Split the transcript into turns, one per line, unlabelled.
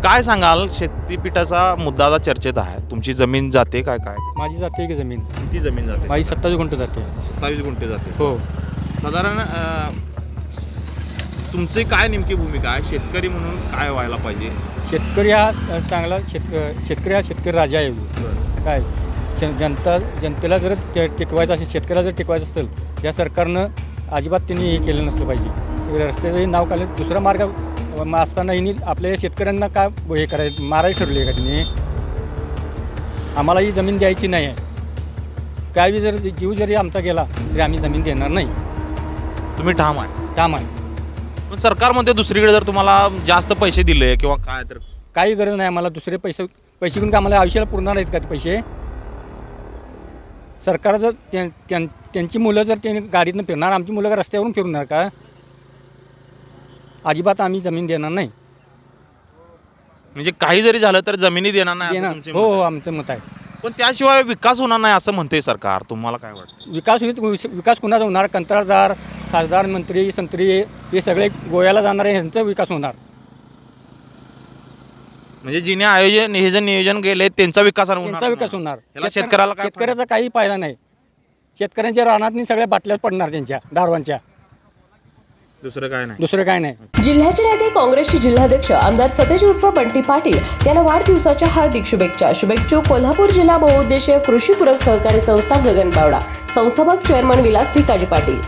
काय सांगाल, शेतीपीठाचा मुद्दा आता चर्चेत आहे. तुमची जमीन जाते काय काय
माझी जाते की जमीन,
किती जमीन जाते?
माझी 27 गुंठ जाते.
27 गुंठे जाते.
हो.
साधारण तुमची काय नेमकी भूमिका आहे? शेतकरी म्हणून काय व्हायला पाहिजे?
शेतकरी हा चांगला शेतकरी हा शेतकरी राजा आहे. काय जनतेला जर टिकवायचं असेल, शेतकऱ्याला जर टिकवायचं असेल, या सरकारनं अजिबात त्यांनी हे केलं नसलं पाहिजे. रस्त्याचंही नाव काढलं, दुसरा मार्ग असताना हिनी आपल्या शेतकऱ्यांना काय हे करायचं, मारायला ठरले का त्यांनी? आम्हाला ही जमीन द्यायची नाही आहे. काय बी जर जीव जरी आमचा गेला तरी आम्ही जमीन देणार नाही.
तुम्ही ठाम आहे?
ठाम आहे.
पण सरकार म्हणते दुसरीकडे जर तुम्हाला जास्त पैसे दिले किंवा काय तर
काही गरज नाही आम्हाला. दुसरे पैसे घेऊन का आम्हाला आयुष्याला पुरणार आहेत का ते पैसे? सरकार जर त्यांची मुलं जर त्यांनी गाडीतनं फिरणार, आमची मुलं का रस्त्यावरून फिरणार का? अजिबात आम्ही जमीन देणार नाही.
म्हणजे काही जरी झालं तर जमिनी देणार नाही असं
देणार.
तुमचे
हो
मत
हो,
आहे.
आमचं मत आहे.
पण त्याशिवाय विकास होणार नाही असं म्हणते सरकार. तुम्हाला काय वाटतं?
विकास कुणाचा होणार? कंत्राटदार, खासदार, मंत्री, संत्री हे सगळे गोव्याला जाणारे ह्यांचा विकास होणार.
म्हणजे जिने हे जे नियोजन केले त्यांचा विकास
त्यांचा विकास होणार.
याला शेतकऱ्याला काय
शेतकऱ्याचा काही फायदा नाही. शेतकऱ्यांच्या रानातनी सगळ्या बाटल्याच पडणार त्यांच्या दारवांच्या.
दुसरं काय नाही.
दुसरं काय नाही.
जिल्ह्याचे नेते काँग्रेसचे जिल्हाध्यक्ष आमदार सतेज उर्फ बंटी पाटील यांना वाढदिवसाच्या हार्दिक शुभेच्छा. शुभेच्छुक कोल्हापूर जिल्हा बहुउद्देशीय कृषी पूरक सहकारी संस्था गगन बावडा, संस्थापक चेअरमन विलास भिकाजी पाटील.